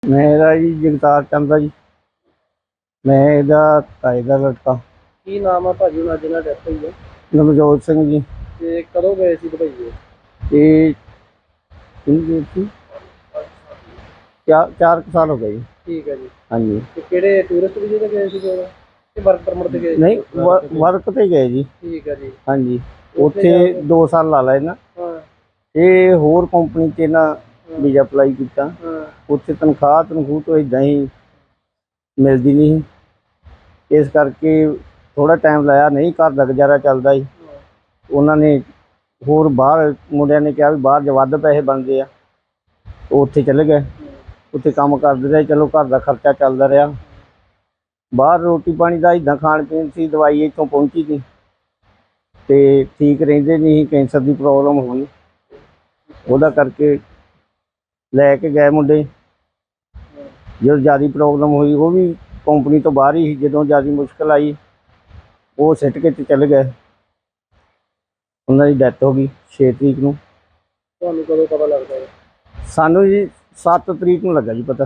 मेरा जी जगतार चंद जी। मैं ਇਹਦਾ ਤਾਏ ਦਾ ਲੜਕਾ। ਕੀ ਨਾਮ ਆ ਭਾਜੀ ਉਹਨਾਂ ਜਿਹਨਾਂ ਡੈਥ ਹੋਈ ਹੈ? ਨਵਜੋਤ ਸਿੰਘ ਜੀ। ਤੇ ਕਦੋਂ ਗਏ ਸੀ ਦੁਬਈ? ਇਹ ਕਿੰਨੇ ਸੀ? 4 ਸਾਲ ਹੋ ਗਏ ਜੀ। ਠੀਕ ਹੈ ਜੀ। ਹਾਂਜੀ। ਤੇ ਕਿਹੜੇ ਟੂਰਿਸਟ ਵੀਜ਼ੇ ਤੇ ਗਏ ਸੀ ਜਦੋਂ ਕਿ ਵਰਕ ਪਰਮਿਟ ਤੇ ਗਏ? ਨਹੀਂ, ਵਰਕ ਤੇ ਗਏ ਜੀ। ਠੀਕ ਹੈ ਜੀ। ਹਾਂਜੀ, ਉੱਥੇ 2 ਸਾਲ ਲਾ ਲਏ ਨਾ। ਹਾਂ। ਇਹ ਹੋਰ ਕੰਪਨੀ 'ਚ ਨਾ ਵੀਜ਼ਾ ਅਪਲਾਈ ਕੀਤਾ। ਹਾਂ। ਉੱਥੇ ਤਨਖਾਹ ਤੋਂ ਇਦਾਂ ਹੀ ਮਿਲਦੀ ਨਹੀਂ, ਇਸ ਕਰਕੇ ਥੋੜਾ ਟਾਈਮ ਲਾਇਆ। ਨਹੀਂ, ਘਰ ਦਾ ਗੁਜ਼ਾਰਾ ਚੱਲਦਾ ਸੀ। ਉਹਨਾਂ ਨੇ ਹੋਰ ਬਾਹਰ ਮੁੰਡਿਆਂ ਨੇ ਕਿਹਾ ਵੀ ਬਾਹਰ 'ਚ ਵੱਧ ਪੈਸੇ ਬਣਦੇ ਆ, ਉੱਥੇ ਚਲੇ ਗਏ। ਉੱਥੇ ਕੰਮ ਕਰਦੇ ਰਹੇ, ਚਲੋ ਘਰ ਦਾ ਖਰਚਾ ਚੱਲਦਾ ਰਿਹਾ। ਬਾਹਰ ਰੋਟੀ ਪਾਣੀ ਦਾ ਇੱਦਾਂ ਖਾਣ ਪੀਣ ਸੀ, ਦਵਾਈ ਇੱਥੋਂ ਪਹੁੰਚੀ ਸੀ ਅਤੇ ਠੀਕ ਰਹਿੰਦੇ ਨਹੀਂ। ਕੈਂਸਰ ਦੀ ਪ੍ਰੋਬਲਮ ਹੋਈ, ਉਹਦਾ ਕਰਕੇ ਲੈ ਕੇ ਗਏ ਮੁੰਡੇ। ਜਦੋਂ ਜ਼ਿਆਦਾ ਪ੍ਰੋਬਲਮ ਹੋਈ, ਉਹ ਵੀ ਕੰਪਨੀ ਤੋਂ ਬਾਹਰ ਹੀ ਸੀ। ਜਦੋਂ ਜ਼ਿਆਦਾ ਮੁਸ਼ਕਿਲ ਆਈ, ਉਹ ਸਿੱਟ ਕੇ ਤੇ ਚਲੇ ਗਏ। ਉਹਨਾਂ ਦੀ ਡੈਥ ਹੋ ਗਈ 6 ਤਰੀਕ ਨੂੰ। ਤੁਹਾਨੂੰ ਕਦੋਂ ਪਤਾ ਲੱਗਦਾ ਹੈ? ਸਾਨੂੰ ਜੀ 7 ਤਰੀਕ ਨੂੰ ਲੱਗਾ ਜੀ ਪਤਾ।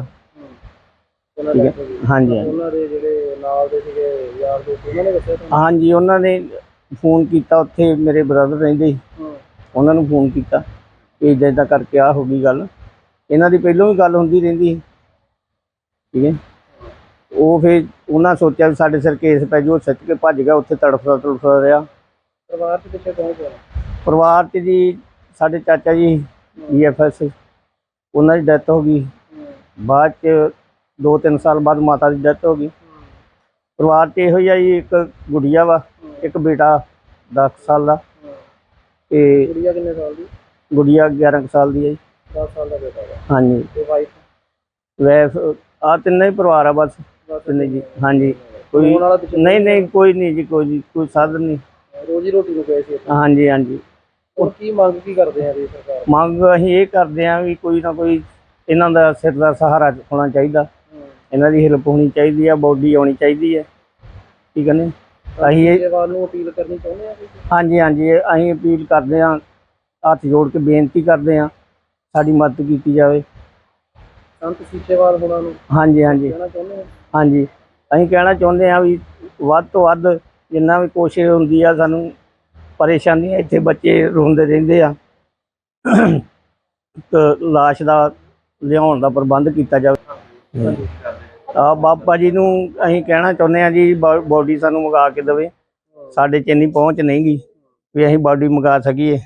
ਠੀਕ ਹੈ। ਹਾਂਜੀ। ਉਹਨਾਂ ਦੇ ਜਿਹੜੇ ਨਾਲ ਦੇ ਸੀਗੇ ਯਾਰ ਦੋਸਤ, ਉਹਨਾਂ ਨੇ ਦੱਸਿਆ ਤੁਹਾਨੂੰ? ਹਾਂਜੀ, ਉਹਨਾਂ ਨੇ ਫੋਨ ਕੀਤਾ। ਉੱਥੇ ਮੇਰੇ ਬ੍ਰਦਰ ਰਹਿੰਦੇ ਸੀ, ਉਹਨਾਂ ਨੂੰ ਫੋਨ ਕੀਤਾ ਕਿ ਇੱਦਾਂ ਇੱਦਾਂ ਕਰਕੇ ਆ ਹੋ ਗਈ ਗੱਲ। ਇਹਨਾਂ ਦੀ ਪਹਿਲਾਂ ਵੀ ਗੱਲ ਹੁੰਦੀ ਰਹਿੰਦੀ ਸੀ। ਠੀਕ ਹੈ। ਉਹ ਫਿਰ ਉਹਨਾਂ ਸੋਚਿਆ ਵੀ ਸਾਡੇ ਸਿਰ ਕੇਸ ਪੈ ਜਾਊ, ਸਿੱਟ ਕੇ ਭੱਜ ਗਿਆ। ਉੱਥੇ ਤੜਫਦਾ ਰਿਹਾ। ਪਰਿਵਾਰ 'ਚ ਪਿੱਛੇ ਕੌਣ ਕੌਣ? ਪਰਿਵਾਰ 'ਚ ਜੀ ਸਾਡੇ ਚਾਚਾ ਜੀ BFS, ਉਹਨਾਂ ਦੀ ਡੈਥ ਹੋ ਗਈ। ਬਾਅਦ 'ਚ 2-3 ਸਾਲ ਬਾਅਦ ਮਾਤਾ ਦੀ ਡੈਥ ਹੋ ਗਈ। ਪਰਿਵਾਰ 'ਚ ਇਹੋ ਹੀ ਆ ਜੀ, ਇੱਕ ਗੁੜੀਆ ਵਾ, ਇੱਕ ਬੇਟਾ 10 ਸਾਲ ਦਾ। ਅਤੇ ਗੁੜੀਆ ਕਿੰਨੇ ਸਾਲ ਦੀ? ਗੁੜੀਆ 11 ਕੁ ਸਾਲ ਦੀ ਹੈ ਜੀ। 10 ਸਾਲ ਦਾ ਬੇਟਾ ਵਾ। ਹਾਂਜੀ। ਤੇ ਵਾਈਫ? ਵੈਫ ਆਹ ਤਿੰਨੇ ਹੀ ਪਰਿਵਾਰ ਆ ਬਸ। ਤਿੰਨੇ ਜੀ। ਹਾਂਜੀ। ਕੋਈ ਨਹੀਂ, ਕੋਈ ਨਹੀਂ ਜੀ, ਕੋਈ ਸਾਧਨ ਨਹੀਂ। ਰੋਜ਼ੀ ਰੋਟੀ ਨੂੰ ਗਏ ਸੀ? ਹਾਂਜੀ ਹਾਂਜੀ। ਹੁਣ ਕੀ ਮੰਗ ਕੀ ਕਰਦੇ ਆ ਜੀ ਸਰਕਾਰ? ਮੰਗ ਅਸੀਂ ਇਹ ਕਰਦੇ ਹਾਂ ਵੀ ਕੋਈ ਨਾ ਕੋਈ ਇਹਨਾਂ ਦਾ ਸਿਰ ਦਾ ਸਹਾਰਾ ਹੋਣਾ ਚਾਹੀਦਾ। ਇਹਨਾਂ ਦੀ ਹੈਲਪ ਹੋਣੀ ਚਾਹੀਦੀ ਆ, ਬੋਡੀ ਆਉਣੀ ਚਾਹੀਦੀ ਹੈ। ਠੀਕ ਹੈ ਨੇ। ਅਸੀਂ ਨੂੰ ਅਪੀਲ ਕਰਨੀ ਚਾਹੁੰਦੇ ਆ? ਹਾਂਜੀ ਹਾਂਜੀ, ਅਸੀਂ ਅਪੀਲ ਕਰਦੇ ਹਾਂ, ਹੱਥ ਜੋੜ ਕੇ ਬੇਨਤੀ ਕਰਦੇ ਹਾਂ, ਸਾਡੀ ਮਦਦ ਕੀਤੀ ਜਾਵੇ। ਸੰਤ ਸੀਚੇਵਾਲ ਹੋਣਾ ਨੂੰ? ਹਾਂਜੀ ਹਾਂਜੀ ਕਹਿਣਾ ਚਾਹੁੰਦੇ ਹਾਂ? ਹਾਂਜੀ, ਅਸੀਂ ਕਹਿਣਾ ਚਾਹੁੰਦੇ ਹਾਂ ਵੀ ਵੱਧ ਤੋਂ ਵੱਧ ਜਿੰਨਾ ਵੀ ਕੋਸ਼ਿਸ਼ ਹੁੰਦੀ ਆ, ਸਾਨੂੰ ਪਰੇਸ਼ਾਨੀਆਂ, ਇੱਥੇ ਬੱਚੇ ਰੋਂਦੇ ਰਹਿੰਦੇ ਆ, ਲਾਸ਼ ਦਾ ਲਿਆਉਣ ਦਾ ਪ੍ਰਬੰਧ ਕੀਤਾ ਜਾਵੇ। ਬਾਬਾ ਜੀ ਨੂੰ ਅਸੀਂ ਕਹਿਣਾ ਚਾਹੁੰਦੇ ਹਾਂ ਜੀ, ਬੋਡੀ ਸਾਨੂੰ ਮੰਗਾ ਕੇ ਦੇਵੇ। ਸਾਡੇ 'ਚ ਇੰਨੀ ਪਹੁੰਚ ਨਹੀਂ ਗੀ ਵੀ ਅਸੀਂ ਬੋਡੀ ਮੰਗਾ ਸਕੀਏ।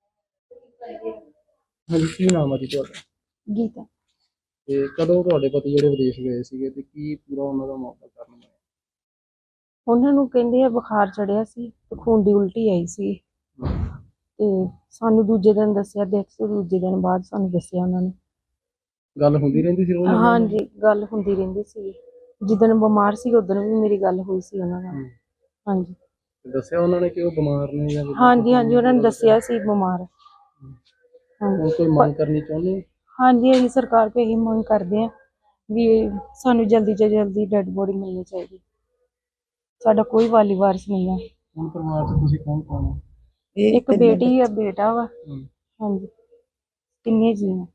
ਹਾਂਜੀ, ਕੀ ਨਾਮ ਆ ਜੀ ਤੁਹਾਡਾ? ਗੀਤਾ। ਤੇ ਕਦੋਂ ਤੁਹਾਡੇ ਪਤੀ ਜਿਹੜੇ ਵਿਦੇਸ਼ ਗਏ ਸੀਗੇ ਤੇ ਕੀ ਪੂਰਾ ਉਹਨਾਂ ਦਾ ਮੌਕਾ ਕਰਨ ਹੋਇਆ? ਉਹਨਾਂ ਨੂੰ ਕਹਿੰਦੇ ਆ ਬੁਖਾਰ ਚੜਿਆ ਸੀ ਤੇ ਖੂਨ ਦੀ ਉਲਟੀ ਆਈ ਸੀ, ਤੇ ਸਾਨੂੰ ਦੂਜੇ ਦਿਨ ਦੱਸਿਆ, ਦੂਜੇ ਦਿਨ ਬਾਅਦ ਸਾਨੂੰ ਦੱਸਿਆ ਉਹਨਾਂ ਨੇ। ਗੱਲ ਹੁੰਦੀ ਰਹਿੰਦੀ ਸੀ ਰੋਜ਼? ਹਾਂਜੀ, ਗੱਲ ਹੁੰਦੀ ਰਹਿੰਦੀ ਸੀ। ਜਿੱਦਣ ਬਿਮਾਰ ਸੀ ਉਦੋਂ ਵੀ ਮੇਰੀ ਗੱਲ ਹੋਈ ਸੀ ਉਹਨਾਂ ਨਾਲ। ਹਾਂਜੀ। ਦੱਸਿਆ ਉਹਨਾਂ ਨੇ ਕਿ ਉਹ ਬਿਮਾਰ ਨੇ ਜਾਂ? ਹਾਂਜੀ ਹਾਂਜੀ, ਉਹਨਾਂ ਨੇ ਦੱਸਿਆ ਸੀ ਬਿਮਾਰ। ਹੁਣ ਕੋਈ ਮੰਗ ਕਰਨੀ ਚਾਹੁੰਦੇ? ਹਾਂਜੀ, ਅਸੀਂ ਸਰਕਾਰ ਕੋਲ ਇਹੀ ਮੰਗ ਕਰਦੇ ਹਾਂ ਵੀ ਸਾਨੂੰ ਜਲਦੀ ਤੋਂ ਜਲਦੀ ਡੈਡ ਬੋਡੀ ਮਿਲਣੀ ਚਾਹੀਦੀ। ਸਾਡਾ ਕੋਈ ਵਾਲੀ ਵਾਰਸ ਨਹੀਂ ਆ। ਹੁਣ ਪਰਿਵਾਰ 'ਚ ਤੁਸੀਂ ਕੌਣ ਕੌਣ ਹੋ? ਇੱਕ ਬੇਟੀ ਆ, ਬੇਟਾ ਵਾ। ਹਾਂਜੀ, ਤਿੰਨੇ ਜੀ ਆ।